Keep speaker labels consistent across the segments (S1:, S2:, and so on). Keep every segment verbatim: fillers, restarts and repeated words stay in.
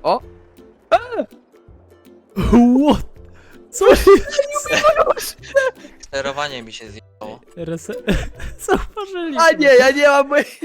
S1: O!
S2: What? Co się...
S3: Sterowanie mi się zjechało.
S2: Rese... Zauważyli.
S1: A nie, ja nie mam mojej...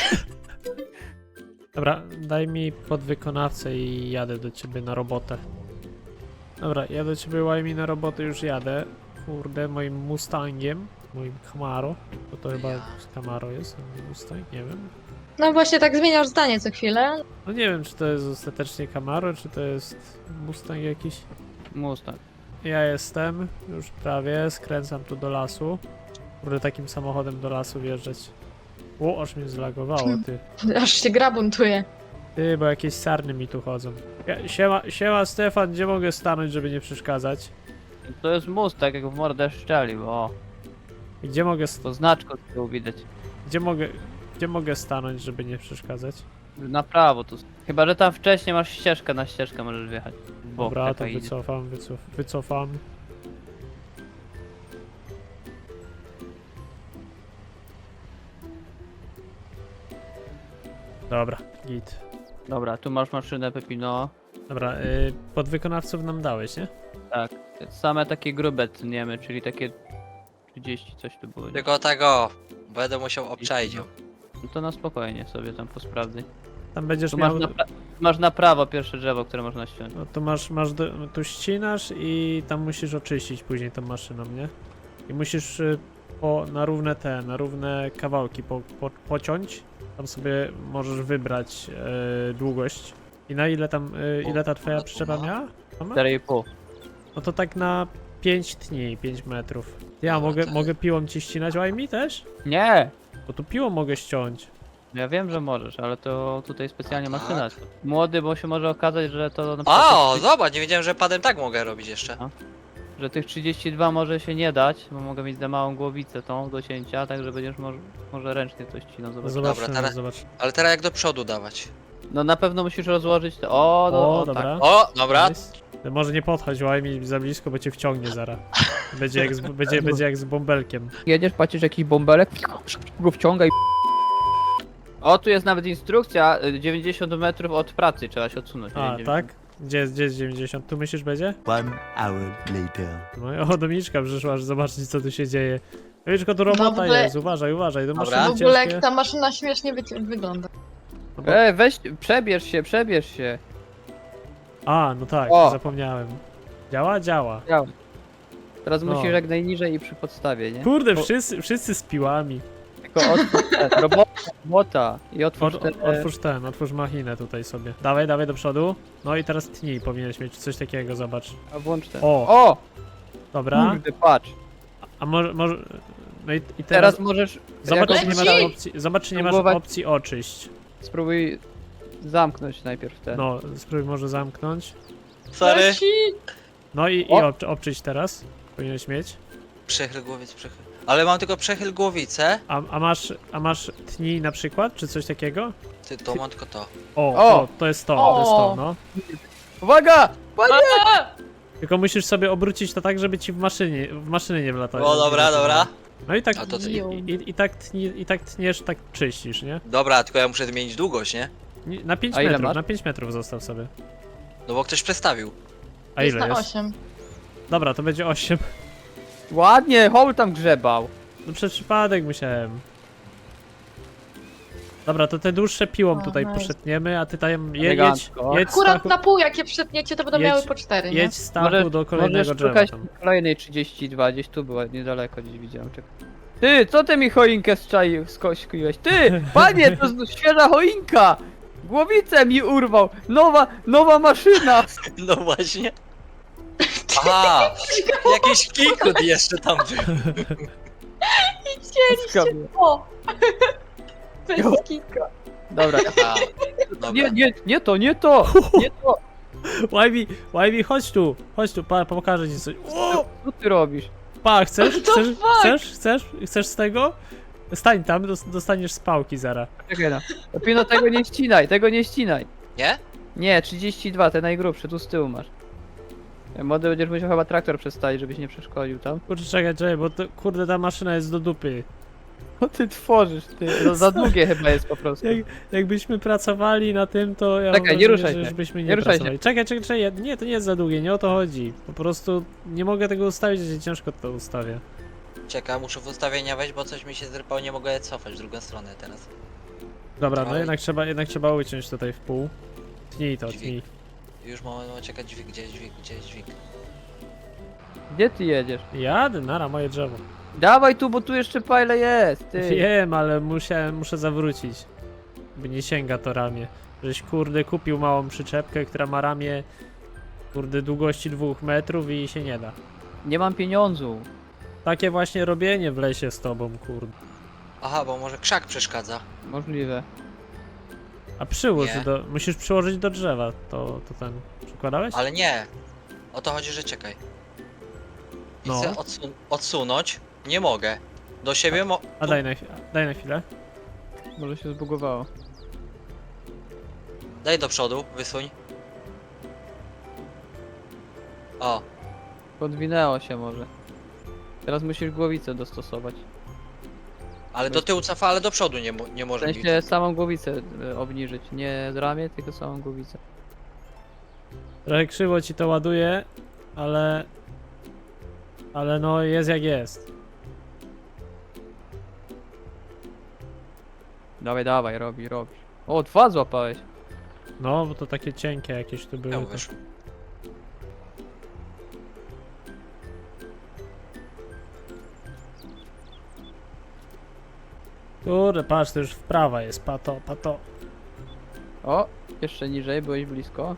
S2: Dobra, daj mi podwykonawcę i jadę do ciebie na robotę. Dobra, ja do ciebie Łajmi na robotę już jadę. Kurde, moim Mustangiem, moim Camaro. Bo to chyba Camaro jest, a nie Mustang, nie wiem.
S4: No właśnie tak zmieniasz zdanie co chwilę.
S2: No nie wiem, czy to jest ostatecznie Camaro, czy to jest Mustang jakiś.
S1: Mustang.
S2: Ja jestem, już prawie, skręcam tu do lasu. Kurde, takim samochodem do lasu wjeżdżać. O, aż mnie zlagowało, ty.
S4: Aż się gra buntuje.
S2: Ty, bo jakieś sarny mi tu chodzą. Ja, siema, siema Stefan, gdzie mogę stanąć, żeby nie przeszkadzać?
S1: To jest Mustang, jak w mordę szczelił, o.
S2: Gdzie mogę, st-
S1: To znaczko z tyłu widać.
S2: gdzie mogę, gdzie mogę stanąć, żeby nie przeszkadzać?
S1: Na prawo tu. Chyba, że tam wcześniej masz ścieżkę, na ścieżkę możesz wjechać. W bok
S2: Dobra, to
S1: taka idzie.
S2: wycofam, wycof, wycofam. Dobra, git.
S1: Dobra, tu masz maszynę Pepino.
S2: Dobra, y, podwykonawców nam dałeś, nie?
S1: Tak. Same takie grube tniemy, czyli takie trzydzieści coś tu było. nie?
S3: Tylko tego. Będę musiał obczaić ją.
S1: No to na spokojnie sobie tam posprawdzaj.
S2: Tam będziesz
S1: Tu masz
S2: miał...
S1: na, pra masz na prawo pierwsze drzewo, które można ściąć.
S2: No tu masz, masz do, tu ścinasz i tam musisz oczyścić później tą maszyną, nie? I musisz y, po, na równe te, na równe kawałki po, po, pociąć. Tam sobie możesz wybrać y, długość. I na ile tam, y, ile ta twoja przyczepa miała? Mama?
S1: cztery i pół.
S2: No to tak na pięć tni, pięć metrów. Ja mogę, mogę piłą ci ścinać, a mi też?
S1: Nie!
S2: Bo tu piłą mogę ściąć.
S1: Ja wiem, że możesz, ale to tutaj specjalnie
S3: Tak?
S1: maszyna. Młody, bo się może okazać, że to na przykład
S3: O,
S1: tych,
S3: zobacz, nie wiedziałem, że padem tak mogę robić jeszcze.
S1: że tych trzydzieści dwa może się nie dać, bo mogę mieć za małą głowicę tą do cięcia, także będziesz może, może ręcznie coś ścinał, zobacz.
S2: Zobaczymy,
S3: teraz-
S2: zobacz.
S3: Ale teraz jak do przodu dawać.
S1: No na pewno musisz rozłożyć to. O, no,
S2: O,
S1: o,
S2: dobra.
S1: tak.
S3: O, dobra.
S2: Nice. Może nie podchodź, łaj mi za blisko, bo cię wciągnie zaraz. Będzie jak z, będzie, będzie jak z bąbelkiem.
S1: Jedziesz, patrzysz jakiś bąbelek, go wciągaj. O, tu jest nawet instrukcja, y, dziewięćdziesiąt metrów od pracy trzeba się odsunąć.
S2: A,
S1: dziewięćdziesiąt.
S2: tak? Gdzie jest, gdzie jest dziewięćdziesiąt? Tu myślisz będzie?
S5: One hour later.
S2: No i o, Dominiczka przyszła, że zobaczyć co tu się dzieje. Dominiczko, tu robota
S4: No w ogóle-
S2: jest, uważaj, uważaj, to
S3: Dobra.
S2: maszyny
S4: W ogóle
S2: ciężkie.
S4: jak ta maszyna śmiesznie wy wygląda.
S2: No bo-
S1: Ej, weź, przebierz się, przebierz się.
S2: A, no tak,
S1: O.
S2: zapomniałem. Działa? Działa.
S1: Działa. Teraz
S2: No.
S1: musisz jak najniżej i przy podstawie, nie?
S2: Kurde,
S1: O-
S2: wszyscy, wszyscy z piłami.
S1: Tylko otwórz ten, robota, robota i otwórz
S2: Od,
S1: ten,
S2: od, otwórz ten, otwórz machinę tutaj sobie. Dawaj, dawaj do przodu. No i teraz tnij, powinieneś mieć coś takiego, zobacz.
S1: a włącz ten.
S2: O.
S1: O!
S2: Dobra.
S1: Kurde, patrz.
S2: A może, może... No i, i teraz...
S1: Teraz możesz,
S2: Zobacz,
S1: jako-
S2: czy nie masz
S4: Leci!
S2: opcji, zobacz, czy nie masz
S1: Próbować-
S2: opcji oczyść.
S1: spróbuj zamknąć najpierw ten.
S2: No, spróbuj może zamknąć.
S3: Sorry.
S4: Leci!
S2: No i, i
S1: O!
S2: ob, obczyść teraz. Powinieneś mieć.
S3: Przechyl głowiec, przechyl. Ale mam tylko przechyl głowicę.
S2: A, a masz, a masz tnij na przykład, czy coś takiego?
S3: Ty, to mam tylko to.
S2: O,
S1: O!
S2: o to jest to, to jest to,
S4: O!
S2: no.
S1: Uwaga! Panie!
S2: Tylko musisz sobie obrócić to tak, żeby ci w maszynie, w maszyny nie wlatało.
S3: O, dobra, dobra.
S2: No i tak,
S3: A to co?
S2: i, i, i, tak tni, i tak tniesz, tak czyścisz, nie?
S3: Dobra, tylko ja muszę zmienić długość, nie?
S2: Nie- Na pięć
S1: A ile
S2: metrów,
S1: masz?
S2: na pięć metrów zostaw sobie.
S3: No bo ktoś przestawił.
S2: A
S4: Jest
S2: ile
S4: na
S2: jest?
S4: osiem.
S2: Dobra, to będzie osiem.
S1: Ładnie, Hol tam grzebał.
S2: No przez przypadek musiałem. Dobra, to te dłuższe piłą
S4: O,
S2: tutaj
S4: nice.
S2: poszetniemy, a ty tam je, jedź,
S1: Elegancko.
S2: jedź,
S4: Akurat
S2: Stachu,
S4: na pół jak je przetniecie to będą
S2: Jedź-
S4: miały po cztery, nie?
S2: jedź Stachu
S1: Możesz-
S2: do kolejnego
S1: Możesz
S2: drzewa
S1: szukać
S2: tam.
S1: kolejnej trzydzieści dwa, gdzieś tu była, niedaleko gdzieś widziałem. Czekaj. Ty, co ty mi choinkę strzaił, skośkiłeś? Ty, panie, to jest świeża choinka! Głowicę mi urwał! Nowa, nowa maszyna!
S3: No właśnie. Aha! Jakiś kikut jeszcze tam był.
S4: Chcieliście! O! Bez kitu.
S1: Dobra,
S3: A, dobra.
S1: nie, nie, nie to, nie to! Nie to!
S2: Łajbi, Łajbi, chodź tu, chodź tu, pa, pokażę ci coś. O!
S1: Co ty robisz?
S2: Pa, chcesz,
S4: What the
S2: chcesz,
S4: fuck?
S2: chcesz, chcesz, chcesz z tego? Stań tam, dos- dostaniesz z pałki zaraz.
S1: Czekaj no. Lepiej tego nie ścinaj, tego nie ścinaj.
S3: Nie?
S1: Nie, trzydzieści dwa, te najgrubsze, tu z tyłu masz. Młody będziesz musiał chyba traktor przestawić, żebyś nie przeszkodził tam.
S2: Kurczę, czekaj, czekaj, bo to, kurde, ta maszyna jest do dupy.
S1: Co ty tworzysz, ty? No, za długie chyba jest po prostu.
S2: Jak, jakbyśmy pracowali na tym, to ja
S1: Czekaj,
S2: mam
S1: nie
S2: wrażenie,
S1: ruszaj
S2: że
S1: się.
S2: już byśmy nie,
S1: Nie ruszaj się.
S2: pracowali. Czekaj, czekaj, czekaj, nie, to nie jest za długie, nie o to chodzi. Po prostu nie mogę tego ustawić, że się ciężko to ustawia.
S3: Czekaj, muszę w ustawienia wejść, bo coś mi się zrypało, nie mogę cofać w drugą stronę teraz.
S2: Dobra, no
S3: Ale-
S2: jednak trzeba, jednak trzeba uciąć tutaj w pół. Tnij to,
S3: Dźwig.
S2: tnij.
S3: Już moment, moment, czekaj, dźwig, gdzie jest dźwig, gdzie jest dźwig?
S1: Gdzie ty jedziesz?
S2: Jadę, nara, moje drzewo.
S1: Dawaj tu, bo tu jeszcze pile jest, ty.
S2: Wiem, ale muszę, muszę zawrócić. By nie sięga to ramię. Żeś kurde kupił małą przyczepkę, która ma ramię kurde długości dwóch metrów i się nie da.
S1: Nie mam pieniądzu.
S2: Takie właśnie robienie w lesie z tobą, kurde.
S3: Aha, bo może krzak przeszkadza.
S1: Możliwe.
S2: A przyłóż
S3: Nie.
S2: do... musisz przyłożyć do drzewa, to, to ten... Przykładałeś?
S3: Ale nie. O to chodzi, że czekaj. I
S2: No.
S3: chcę odsun odsunąć. Nie mogę. Do siebie mo...
S2: A daj na, chwi- daj na chwilę.
S1: Może się zbugowało.
S3: Daj do przodu, wysuń. O,
S1: Podwinęło się może. Teraz musisz głowicę dostosować.
S3: ale do tyłu cofa, ale do przodu nie, mo nie
S1: W
S3: może bić.
S1: sensie samą głowicę y, obniżyć. Nie ramię, tylko samą głowicę.
S2: Trochę krzywo ci to ładuje, ale... Ale no jest jak jest.
S1: Dawaj, dawaj, robi, robi. O, dwa złapałeś.
S2: No, bo to takie cienkie jakieś tu były.
S3: Ja
S2: To...
S3: mówisz.
S2: Kurde, patrz, to już w prawa jest, pato, pato.
S1: O, jeszcze niżej, byłeś blisko.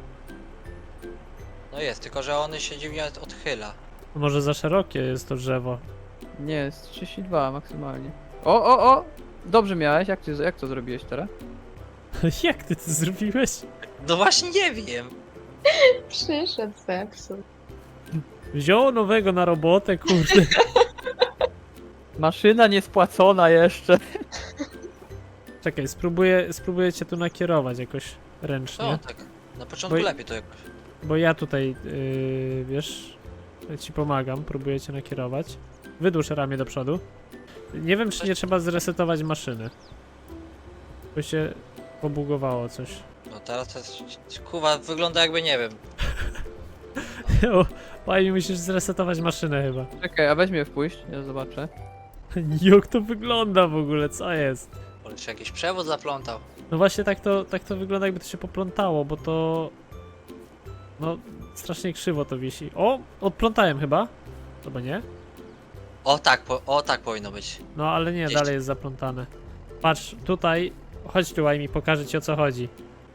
S3: No jest, tylko że on się dziwnie odchyla.
S2: Może za szerokie jest to drzewo.
S1: Nie, jest trzydzieści dwa maksymalnie. O, o, o! Dobrze miałeś, jak, ty, jak to zrobiłeś teraz?
S2: Jak ty to zrobiłeś?
S3: No właśnie nie wiem.
S4: Przyszedł zepsuł.
S2: Wziął nowego na robotę, kurde.
S1: Maszyna niespłacona jeszcze.
S2: Czekaj, spróbuję, spróbuję cię tu nakierować jakoś ręcznie.
S3: No tak. Na początku
S2: Bo-
S3: lepiej to jakoś.
S2: Bo ja tutaj, yy, wiesz, ja ci pomagam, próbuję cię nakierować. Wydłuż ramię do przodu. Nie wiem, czy nie trzeba zresetować maszyny. Bo się pobugowało coś.
S3: No teraz to jest... Kuwa, wygląda jakby nie wiem.
S2: O, Fajnie, musisz zresetować maszynę chyba.
S1: Czekaj, a weź mnie wpuść, ja zobaczę.
S2: Jak to wygląda w ogóle, co jest?
S3: Ale się jakiś przewód zaplątał.
S2: No właśnie tak to, tak to wygląda, jakby to się poplątało, bo to... No, strasznie krzywo to wisi. O, odplątałem chyba. Chyba nie?
S3: O tak, po, o tak powinno być.
S2: No ale nie,
S3: Gdzieś
S2: dalej
S3: tu.
S2: jest zaplątane. Patrz, tutaj, chodź tu, mi pokażę ci o co chodzi.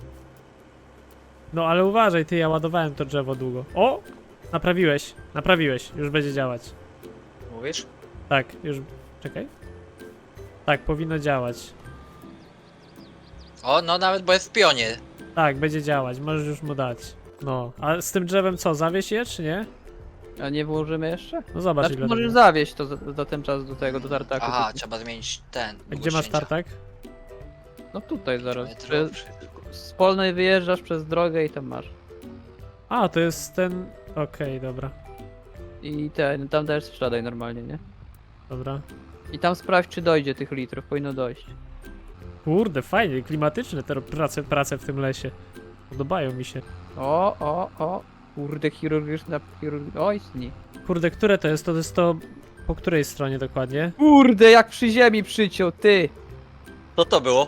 S2: No ale uważaj, ty, ja ładowałem to drzewo długo. O! Naprawiłeś, naprawiłeś, już będzie działać.
S3: Mówisz?
S2: Tak, już, czekaj. Tak, powinno działać.
S3: O, no nawet bo jest w pionie.
S2: Tak, będzie działać, możesz już mu dać. No, a z tym drzewem co, zawieź je, czy nie?
S1: A nie włożymy jeszcze?
S2: No zobacz
S1: Znaczy,
S2: ile
S1: możesz
S2: tego.
S1: zawieść to za, za ten czas do tego, do tartaku.
S3: Aha,
S1: Tylko-
S3: trzeba zmienić ten.
S2: A gdzie masz tartak?
S1: No tutaj zaraz.
S3: Metro,
S1: Przy, z Polnej wyjeżdżasz przez drogę i tam masz.
S2: A, to jest ten... Okej, dobra,
S1: I ten, tam też sprzedaj normalnie, nie?
S2: dobra.
S1: I tam sprawdź, czy dojdzie tych litrów, powinno dojść.
S2: Kurde, fajnie, klimatyczne te prace, prace w tym lesie. Podobają mi się.
S1: O, o, o. Kurde, chirurgiczna chirurg... Oj, sni.
S2: Kurde, które to jest? To jest to... Po której stronie dokładnie?
S1: Kurde, jak przy ziemi przyciął, ty!
S3: Co to było?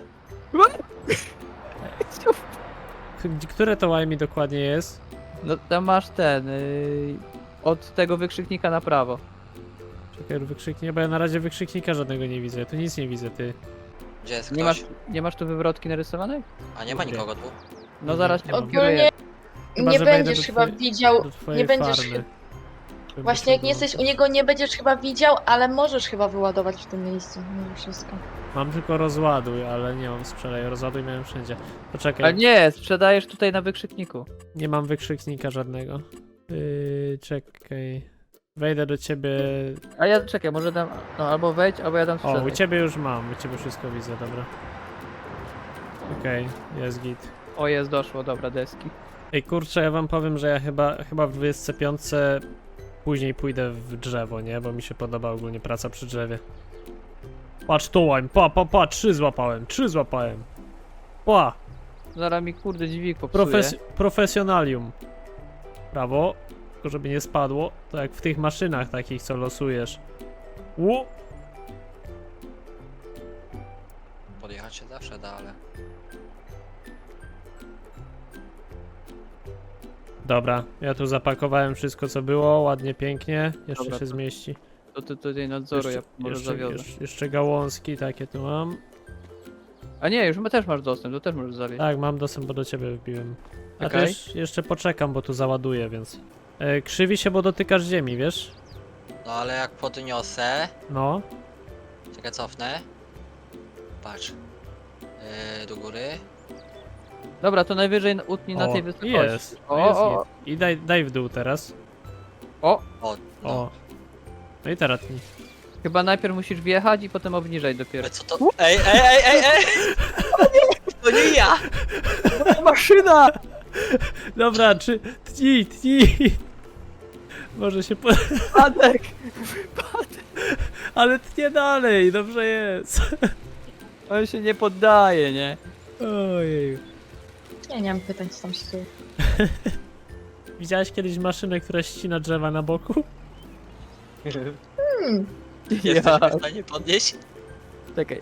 S2: K- Które to łajmi dokładnie jest?
S1: No tam masz ten, yy, od tego wykrzyknika na prawo.
S2: Czekaj, wykrzyknie, bo ja na razie wykrzyknika żadnego nie widzę. Ja tu nic nie widzę, ty.
S3: Gdzie jest
S1: Nie
S3: ktoś?
S1: masz, nie masz tu wywrotki narysowanej?
S3: A nie ma
S2: Nie.
S3: nikogo tu.
S1: No
S2: Nie,
S1: zaraz
S2: nie
S1: cię
S2: mam.
S1: odkieruję.
S4: Ogólnie
S2: Chyba,
S4: nie
S2: że wejdę
S4: będziesz
S2: do
S4: chyba
S2: twojej-
S4: widział,
S2: Do twojej
S4: nie będziesz
S2: farmy. Żeby
S4: właśnie jak
S2: to
S4: nie
S2: było.
S4: jesteś u niego, nie będziesz chyba widział, ale możesz chyba wyładować w tym miejscu, mimo wszystko.
S2: Mam tylko rozładuj, ale nie mam sprzedaj. Rozładuj miałem wszędzie. Poczekaj,
S1: Ale nie, sprzedajesz tutaj na wykrzykniku.
S2: nie mam wykrzyknika żadnego. Yy, czekaj. Wejdę do ciebie.
S1: A ja czekaj, może dam. No albo wejdź, albo ja dam
S2: O,
S1: sprzedaj.
S2: u ciebie już mam, u ciebie wszystko widzę, dobra. Okej, jest git.
S1: O, jest, doszło, dobra, deski.
S2: Ej, kurczę, ja wam powiem, że ja chyba, chyba w dwudziestce piątce później pójdę w drzewo, nie? Bo mi się podoba ogólnie praca przy drzewie. Patrz to łań, pa, pa, pa, trzy złapałem, trzy złapałem. Pa,
S1: Zaraz mi kurde dźwig popsuje.
S2: profes profesjonalium. Prawo, tylko żeby nie spadło. To jak w tych maszynach takich, co losujesz. Ło!
S3: Podjechać się zawsze da, ale...
S2: Dobra, ja tu zapakowałem wszystko co było, ładnie, pięknie. Jeszcze
S1: Dobra,
S2: się
S1: to-
S2: zmieści.
S1: To ty tutaj nadzoru, ja może
S2: jeszcze,
S1: zawiozę.
S2: jeszcze, jeszcze gałązki takie tu mam.
S1: A nie, już my też masz dostęp, to też możesz zawieźć.
S2: Tak, mam dostęp, bo do ciebie wbiłem. A
S1: Okej.
S2: też jeszcze poczekam, bo tu załaduję, więc... E, krzywi się, bo dotykasz ziemi, wiesz?
S3: No ale jak podniosę...
S2: No.
S3: Czekaj, cofnę. Patrz. Yy, do góry.
S1: Dobra, to najwyżej na- utnij na
S2: O,
S1: tej wysokości.
S2: jest.
S1: O,
S2: No jest
S1: o,
S2: git. I daj, daj w dół teraz.
S1: o,
S3: O, no.
S2: O. No i teraz tnij.
S1: chyba najpierw musisz wjechać i potem obniżaj dopiero.
S3: Ale co to? Ej, ej, ej, ej, ej! To nie ja!
S1: Maszyna!
S2: Dobra, czy... Tnij, tnij! Może się po...
S1: Padek!
S2: Ale tnie dalej, dobrze jest.
S1: On się nie poddaje, nie?
S2: Ojej.
S4: Ja nie mam pytań, co tam się dzieje.
S2: Widziałeś kiedyś maszynę, która ścina drzewa na boku?
S4: Hmm.
S3: Jesteś w stanie podnieść?
S1: Czekaj.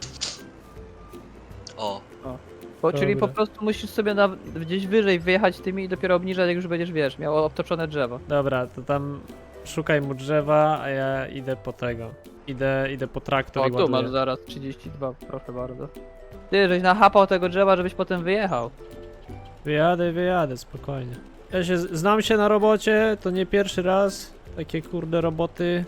S3: O,
S1: Po, czyli po
S2: Dobra.
S1: prostu musisz sobie na, gdzieś wyżej wyjechać tymi i dopiero obniżać, jak już będziesz, wiesz, miał obtoczone drzewo.
S2: Dobra, to tam szukaj mu drzewa, a ja idę po tego. Idę, idę po traktor
S1: O,
S2: i
S1: tu masz
S2: ładuję.
S1: zaraz trzydzieści dwa, proszę bardzo. Ty, żeś nachapał tego drzewa, żebyś potem wyjechał.
S2: Wyjadę, wyjadę, spokojnie. Ja się, znam się na robocie, to nie pierwszy raz. Takie kurde roboty.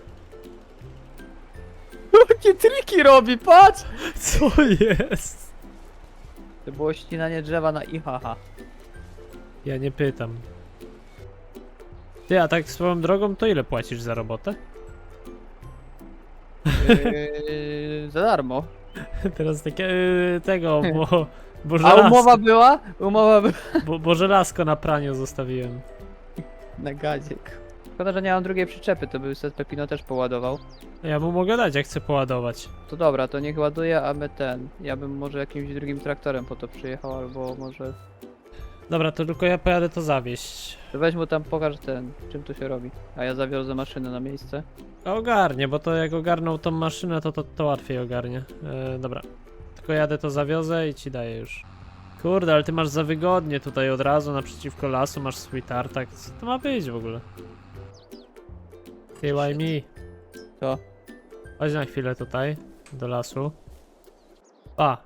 S1: Jakie triki robi, patrz!
S2: Co jest?
S1: To było ścinanie drzewa na I H H.
S2: Ja nie pytam. Ty, a tak swoją drogą, to ile płacisz za robotę?
S1: Yy, za darmo.
S2: Teraz takie, yy, tego, bo... Bo
S1: A
S2: żelazko,
S1: umowa była? Umowa była
S2: bo, bo żelazko na praniu zostawiłem.
S1: na gazik. Szkoda, że nie mam drugiej przyczepy, to by set Pepino też poładował.
S2: Ja mu mogę dać, jak chcę poładować.
S1: To dobra, to niech ładuje, a my ten. Ja bym może jakimś drugim traktorem po to przyjechał, albo może...
S2: Dobra, to tylko ja pojadę to zawieźć.
S1: To weź mu tam, pokaż ten, czym to się robi. A ja zawiozę maszynę na miejsce.
S2: Ogarnie, bo to jak ogarnął tą maszynę, to to, to łatwiej ogarnie. E, dobra. Tylko jadę to zawiozę i ci daję już. Kurde, ale ty masz za wygodnie tutaj od razu naprzeciwko lasu, masz swój tartak. Co to ma być w ogóle? Ty, why me?
S1: Co?
S2: Chodź na chwilę tutaj, do lasu. Pa!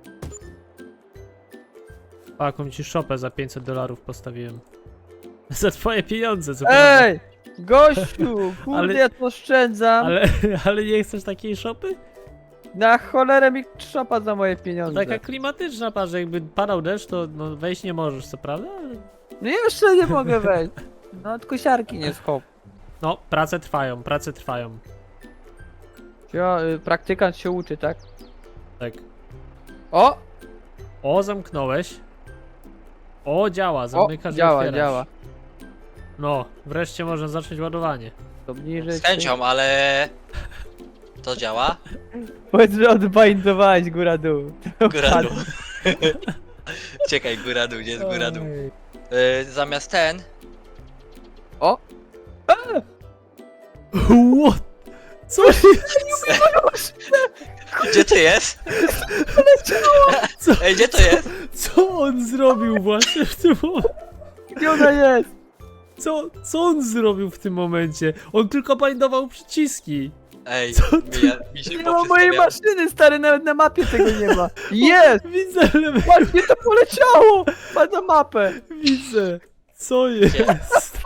S2: Pa, jaką ci szopę za pięćset dolarów postawiłem. Za twoje pieniądze, co prawda.
S1: Ej! Gościu! Kurde,
S2: Ale-
S1: ja to oszczędzam!
S2: Ale, ale nie chcesz takiej szopy?
S1: Na cholerę mi trzopa za moje pieniądze.
S2: Taka klimatyczna, patrz, jakby padał deszcz, to no, wejść nie możesz, co prawda? Ale...
S1: No jeszcze nie mogę wejść. No od kosiarki nie schop.
S2: No, prace trwają, prace trwają.
S1: Ja, y, praktykant się uczy, tak?
S2: Tak.
S1: O!
S2: O, zamknąłeś. O, działa,
S1: O!
S2: zamykasz i
S1: Działa,
S2: otwierasz.
S1: działa.
S2: No, wreszcie można zacząć ładowanie.
S1: Obniżyć.
S3: z chęcią, ale... To działa?
S1: Powiedz, że odbindowałeś góra-dół.
S3: Góra dół. Czekaj, góra dół, gdzie jest góra dół?
S2: Oj.
S3: Yy, zamiast ten...
S1: O!
S2: What? Co jest?
S3: Gdzie to jest?
S2: Co?
S3: Ej, gdzie to jest?
S2: Co on zrobił właśnie w tym momencie?
S1: Gdzie ona jest?
S2: Co, co on zrobił w tym momencie? On tylko bindował przyciski.
S3: Ej,
S2: Co
S3: mi, ja, mi się
S1: Nie ma mojej
S3: poprzestawiało.
S1: maszyny, stary, nawet na mapie tego nie ma. Jest!
S2: Widzę, ale
S1: Patrz, gdzie to poleciało! Patrz na mapę!
S2: widzę. Co jest?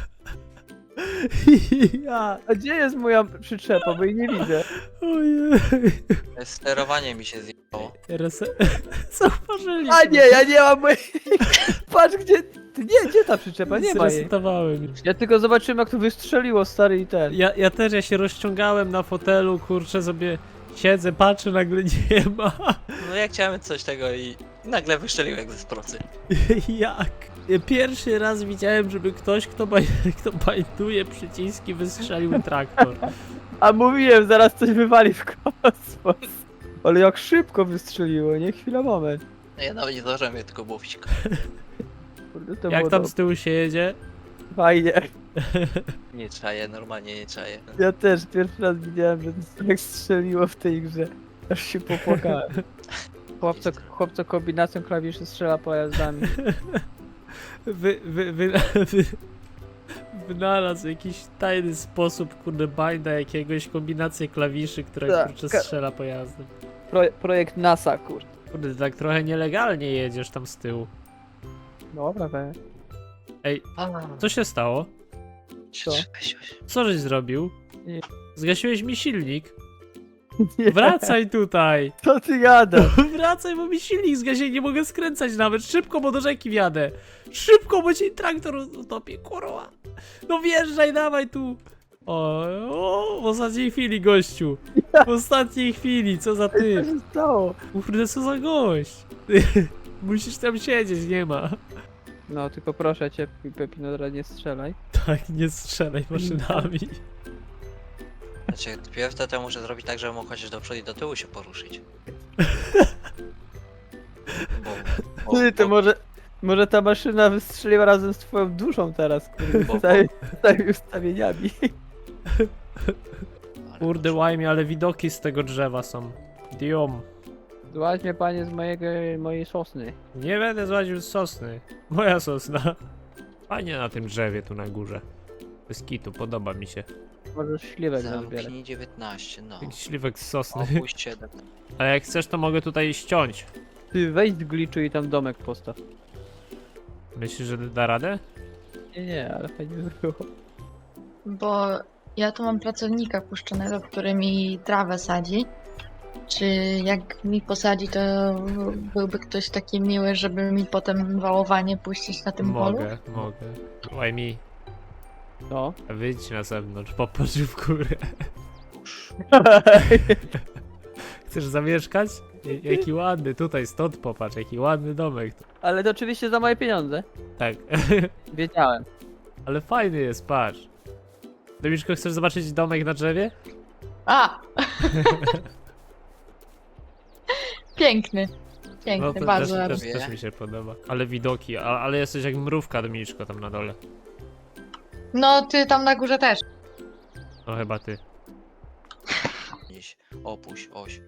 S2: Ja.
S1: A gdzie jest moja przyczepa, bo jej nie widzę.
S2: Ojej.
S3: Sterowanie mi się zjechało.
S2: Teraz zauważyliśmy.
S1: A nie, ja nie mam mojej... Patrz, gdzie... Ty nie, gdzie ta przyczepa? Nie ma jej.
S2: Zresetowałem już.
S1: Ja tylko zobaczyłem, jak to wystrzeliło, stary, i ten.
S2: Ja, ja też, ja się rozciągałem na fotelu, kurczę, sobie siedzę, patrzę, nagle nie ma.
S3: No ja chciałem coś tego i nagle wyszczeliłem jak ze procy.
S2: Jak? Ja pierwszy raz widziałem, żeby ktoś, kto, baj, kto bajduje przyciski, wystrzelił traktor.
S1: A mówiłem, zaraz coś wywali w kosmos. Ale jak szybko wystrzeliło, nie? Chwila, moment.
S3: Ja nawet nie zdążyłem je tylko mówić.
S1: Kurde, to
S2: Jak
S1: było
S2: tam
S1: dobre.
S2: z tyłu się jedzie?
S1: Fajnie.
S3: Nie czaję, normalnie nie czaję.
S1: Ja też pierwszy raz widziałem, że to jak strzeliło w tej grze. Aż się popłakałem. Chłopco, chłopco kombinacją klawiszy strzela pojazdami.
S2: Wy, wy, wy, wy, wynalazł jakiś tajny sposób, kurde, binda jakiegoś, kombinację klawiszy, która
S1: Tak,
S2: kurczę
S1: ka-
S2: strzela pojazdem.
S1: Pro, projekt NASA, kurde.
S2: Kurde, ty tak trochę nielegalnie jedziesz tam z tyłu.
S1: Dobra, we.
S2: Ej,
S3: A,
S2: co się stało?
S1: Co?
S2: Co żeś zrobił?
S1: Nie.
S2: Zgasiłeś mi silnik?
S1: Nie.
S2: Wracaj tutaj!
S1: Co ty gadasz?
S2: Wracaj, bo mi silnik zgasi, nie mogę skręcać nawet. Szybko, bo do rzeki wjadę. Szybko, bo ci traktor utopie, kurwa. No wjeżdżaj, dawaj tu. O, o, w ostatniej chwili, gościu. W ostatniej chwili, co za
S1: Co
S2: ty?
S1: się stało?
S2: Kurde, co za gość. Musisz tam siedzieć, nie ma.
S1: No, tylko proszę cię, Pepinodra, nie strzelaj.
S2: Tak, nie strzelaj maszynami.
S3: Znaczy, pierw to, to muszę zrobić tak, żebym mógł chociaż do przodu i do tyłu się poruszyć. Bo, bo,
S1: Ty, to
S3: bo,
S1: może... Może ta maszyna wystrzeliła razem z twoją duszą teraz, kurde,
S3: Bo-
S1: z całymi, z całymi ustawieniami.
S3: ale
S2: Kurde, łajmie, ale widoki z tego drzewa są. Diom.
S1: Złaź mnie, panie, z mojego, mojej sosny.
S2: Nie będę złaził z sosny. Moja sosna. Fajnie na tym drzewie tu na górze. Bez kitu, podoba mi się.
S1: Możesz śliwek nazbierać.
S3: Zamknij dziewiętnaście, no.
S2: Jakiś śliwek z sosny.
S3: Opuść siedem.
S2: A jak chcesz, to mogę tutaj ściąć.
S1: Ty, wejdź z glitchu i tam domek postaw.
S2: Myślisz, że da radę?
S1: Nie, nie, ale fajnie by było.
S4: Bo ja tu mam pracownika puszczonego, który mi trawę sadzi. Czy jak mi posadzi, to byłby ktoś taki miły, żeby mi potem wałowanie puścić na tym polu?
S2: Mogę, mogę. Łajmi,
S1: No.
S2: wyjdź na zewnątrz, popatrz w górę.
S3: Już.
S2: Chcesz zamieszkać? J- Jaki ładny, tutaj stąd popatrz, jaki ładny domek.
S1: Ale to oczywiście za moje pieniądze.
S2: Tak,
S1: Wiedziałem.
S2: ale fajny jest, patrz. Domiczko, chcesz zobaczyć domek na drzewie?
S4: A! Piękny. Piękny,
S2: No to też,
S4: bardzo
S2: też,
S4: ładny.
S2: też mi się podoba. Ale widoki, a, ale jesteś jak mrówka, Dominiczko, tam na dole.
S4: No, ty tam na górze też.
S2: No chyba ty.
S3: Gdzieś. Opuść, oś.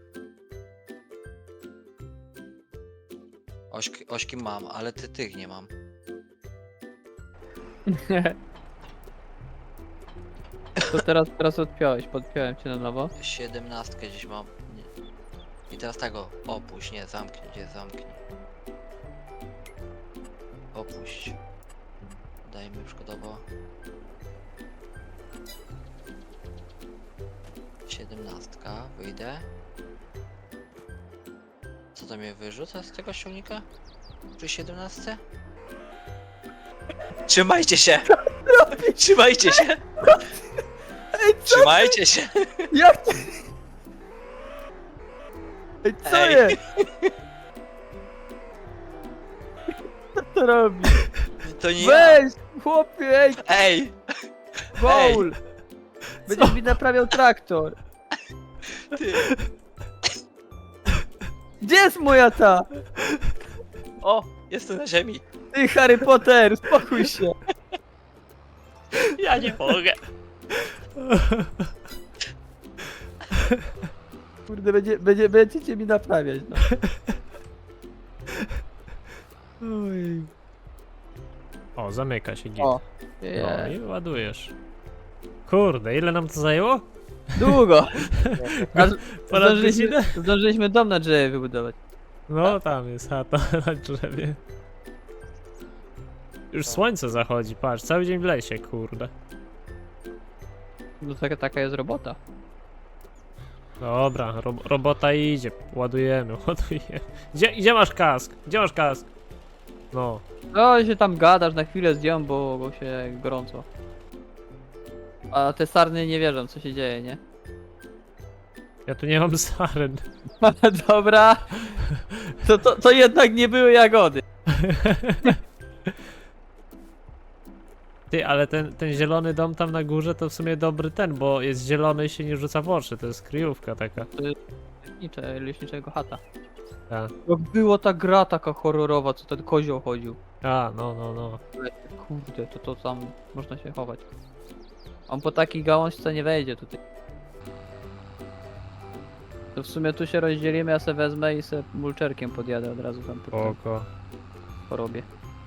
S3: Ośki, ośki mam, ale ty tych nie mam.
S1: To teraz, teraz odpiąłeś, podpiąłem cię na nowo.
S3: Siedemnastkę gdzieś mam. Nie. I teraz tego. Opuść, nie, zamknij, gdzie zamknij. Opuść. Dajmy przykładowo. Siedemnastka, wyjdę. Co to mnie wyrzuca z tego silnika? Przy siedemnastce? Trzymajcie się! Trzymajcie się!
S1: Ej, co?
S3: Trzymajcie się!
S1: Jak ty? Ej, co
S3: Ej.
S1: jest? Co to robi?
S3: To nie ja!
S1: Weź, chłopie, ej,
S3: Ej!
S1: Paul! Będziesz mi naprawiał traktor.
S3: Ty.
S1: Gdzie jest moja ta?
S3: O! Jestem na ziemi!
S1: Ty, Harry Potter, spokój się.
S3: Ja nie mogę!
S1: Kurde, będzie, będzie, będziecie mi naprawiać, no.
S2: Oj. O, zamyka się git.
S1: O,
S2: No
S1: je,
S2: i ładujesz. Kurde, ile nam to zajęło?
S1: długo. Aż
S2: Ponad
S1: zdążyliśmy,
S2: godzinę?
S1: zdążyliśmy dom na drzewie wybudować.
S2: No, tam jest chata na drzewie. Już słońce zachodzi, patrz, cały dzień w lesie, kurde.
S1: No taka, taka jest robota.
S2: Dobra, ro robota idzie, ładujemy, ładujemy. Gdzie, gdzie masz kask? Gdzie masz kask? No,
S1: No się tam gadasz, na chwilę zdjąłem, bo, bo się gorąco. A te sarny nie wierzą, co się dzieje, nie?
S2: ja tu nie mam saren.
S1: Dobra. To, to, to jednak nie były jagody.
S2: Ty, ale ten, ten zielony dom tam na górze to w sumie dobry ten, bo jest zielony i się nie rzuca w oczy, to jest kryjówka taka.
S1: leśnicze, leśniczego chata.
S2: Tak.
S1: Jak było ta gra taka horrorowa, co ten kozioł chodził.
S2: A, no, no, no.
S1: Kurde, to to tam można się chować. On po takiej gałąźce nie wejdzie tutaj. To w sumie tu się rozdzielimy, ja se wezmę i se mulczerkiem podjadę od razu tam po tym
S2: Spoko.
S1: porobię.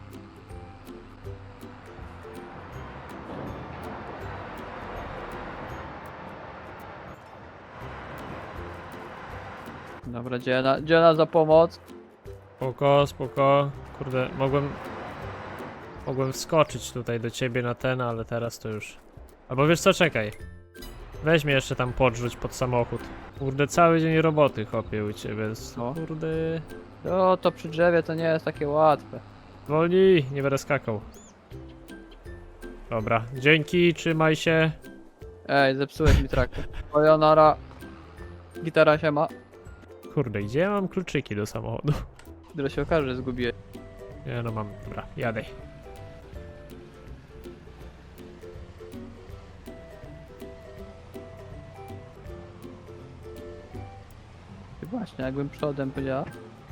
S1: Dobra, dzielna, dzielna za pomoc.
S2: Spoko, spoko. Kurde, mogłem... Mogłem wskoczyć tutaj do ciebie na ten, ale teraz to już... Albo wiesz co, czekaj. Weź mnie jeszcze tam podrzuć pod samochód. Kurde, cały dzień roboty chopię u ciebie.
S1: No.
S2: Kurde...
S1: O, to przy drzewie to nie jest takie łatwe.
S2: Wolniej, nie będę skakał. Dobra, dzięki, trzymaj się.
S1: Ej, zepsułeś mi traktor. Ojonara. Gitara się ma.
S2: Kurde, gdzie ja mam kluczyki do samochodu?
S1: Dopiero się okaże, że zgubiłem.
S2: Nie no mam, dobra, jadę.
S1: Właśnie, jakbym przodem powiedziała.